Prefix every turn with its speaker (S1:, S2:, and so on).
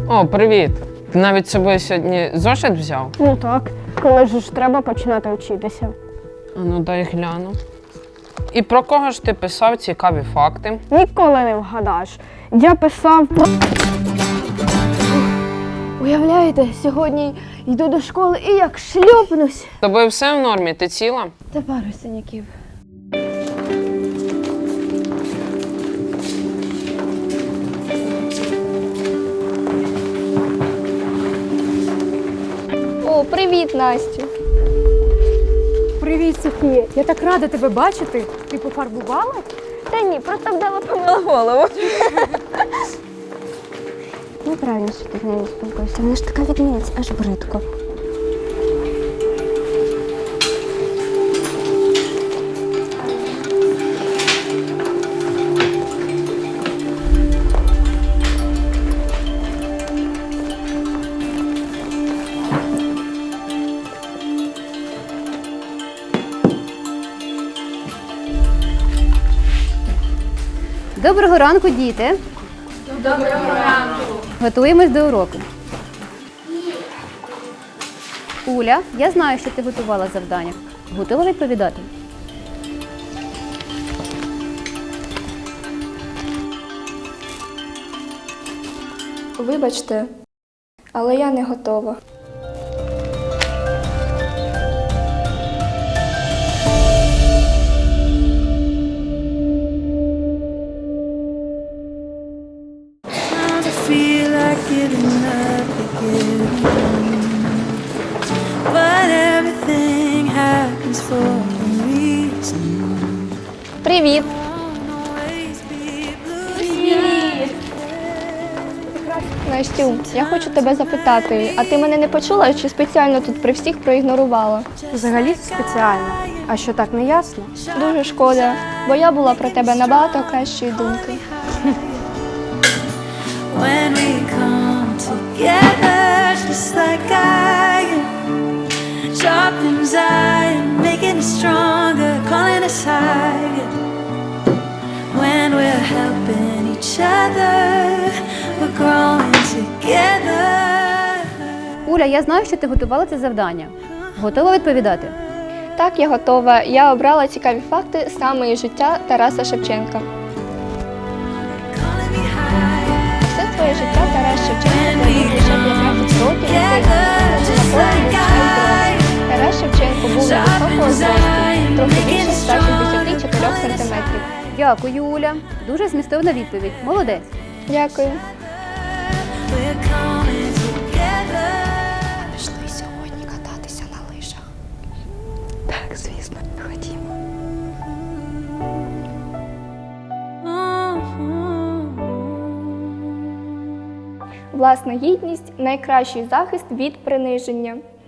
S1: О, привіт! Ти навіть з собою сьогодні зошит взяв?
S2: Ну так, коли ж треба починати вчитися.
S1: А ну дай гляну. І про кого ж ти писав цікаві факти?
S2: Ніколи не вгадаєш. Я писав про... Уявляєте, сьогодні йду до школи і як шльопнусь.
S1: З тобою все в нормі? Ти ціла?
S2: Та пару синяків.
S3: О, привіт, Настю.
S4: Привіт, Софія. Я так рада тебе бачити. Ти пофарбувала?
S2: Та ні, просто вдало помила голову. Неправильно, що ти з нею спілкуєшся. Вона ж така відмінець, аж бридко.
S4: Доброго ранку, діти. Доброго ранку. Готуємось до уроку. Уля, я знаю, що ти готувала завдання. Готова відповідати?
S3: Вибачте, але я не готова.
S5: Feel like giving up again, but everything happens for a reason.
S3: Привіт!
S5: Always be blue.
S3: Настю, я хочу тебе запитати, а ти мене не почула чи спеціально тут при всіх проігнорувала?
S2: Взагалі спеціально. А що так не ясно?
S3: Дуже шкода, бо я була про тебе набагато кращої думки.
S5: When we come together, just like iron, sharpens iron, making us stronger, calling us higher. When we're helping each other, we're growing together.
S4: Уля, я знаю, що ти готувала це завдання. Готова відповідати?
S3: Так, я готова. Я обрала цікаві факти саме із життя Тараса Шевченка.
S5: Calling me higher.
S3: Все своє життя Тарас Шевченко провів лише 15 років у Києві. Тарас Шевченко був високого зросту, трохи більше 164 сантиметрів.
S4: Дякую, Уля. Дуже змістовна відповідь. Молодець.
S3: Дякую.
S5: We're coming together.
S3: Пішли сьогодні кататися на лижах. Так, звісно, ходімо. Власна гідність – найкращий захист від приниження.